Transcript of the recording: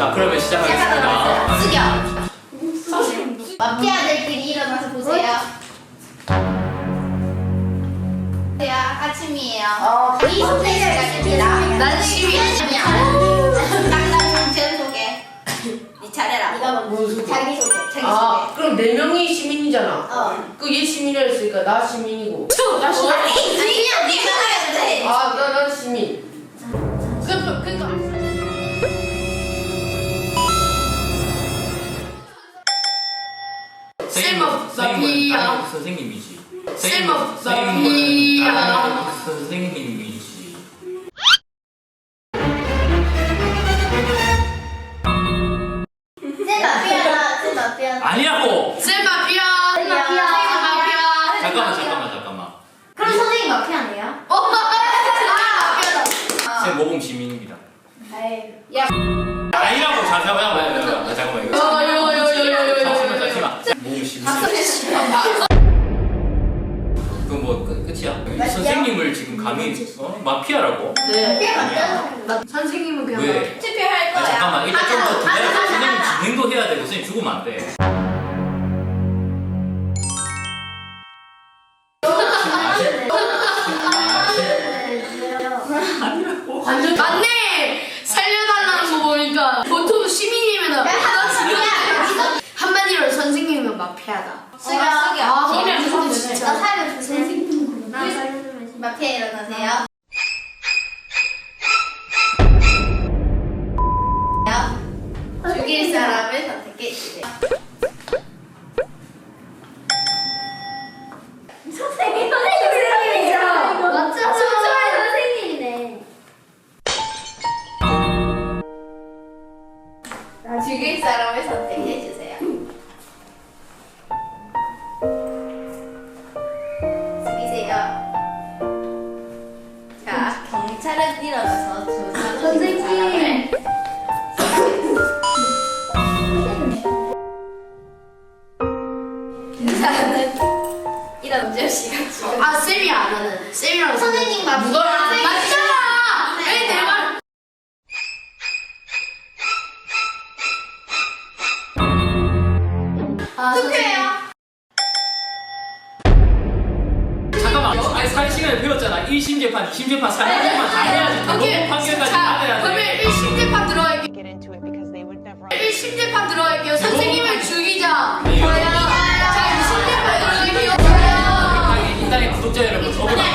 자, 그러면 시작하겠습니다. 숙여. 마피아들끼리 일어나서 보세요. 아침이에요. 이 소개 시작입니다. 난 시민이야. 땅땅 정체를 소개. 네 차례라. 뭔 소리? 자기 소개. 자기 아, 그럼 4명이 시민이잖아. 소개. 그 얘 시민이라 했으니까 나 시민이고. 나 시민. 아니야, 네가 해야 돼. 아, 난 시민. 그러니까. 마피아. 선생님이지. 마피아. 선생님이지. 쌤 마피아다. 쌤 마피아다. 아니라고. 쌤 마피아. 쌤 마피아. 잠깐만. 그럼 선생님 마피아네요? 쌤 모범 시민입니다. 야. 아니라고. 잠깐만 이거. 잠시만. 모범 시민. 그럼 뭐 끝이야? 선생님을 지금 감히 마피아라고? 네. 마피아 맞죠? 선생님은 그냥 왜? 투표할 거야. 잠깐만 일단 좀 더 기다려. 선생님 진행도 해야 되고 선생님 죽으면 안 돼. 완전 맞네. 살려달라는 거 보니까 보통 시민이면 한마디로 선생님이면 마피아다. 숙여. 아, 숙여. 근데 진짜. 나 살려주세요. 나 살려주세요. 마피아 일어나세요. 죽일 사람을 선택해 주세요. 선생님이죠. 맞죠? 선생님이네. 죽일 사람을 선택해 주세요. 숙이세요. 자, 경찰은 일어나서 조사하는 사람을 그 사람은 이런 음주씨가 지금 아, 쌤이 안 하는. 쌤이랑 선생님 마피아. 맞잖아. 왜 내가 투표해요. 잠깐만. 아니 사회시간에 배웠잖아. 1심 재판, 2심 재판, 3심 재판 다 해야지. 오케이. 판결까지 자, 받아야 그러면 돼. 1심 재판 들어갈게요. get into it because they would never. 1심 재판 들어갈게요. 선생님을 죽이자. 네. 저요. 자, 2심 재판 들어갈게요. 이 땅의 구독자 여러분, 저보다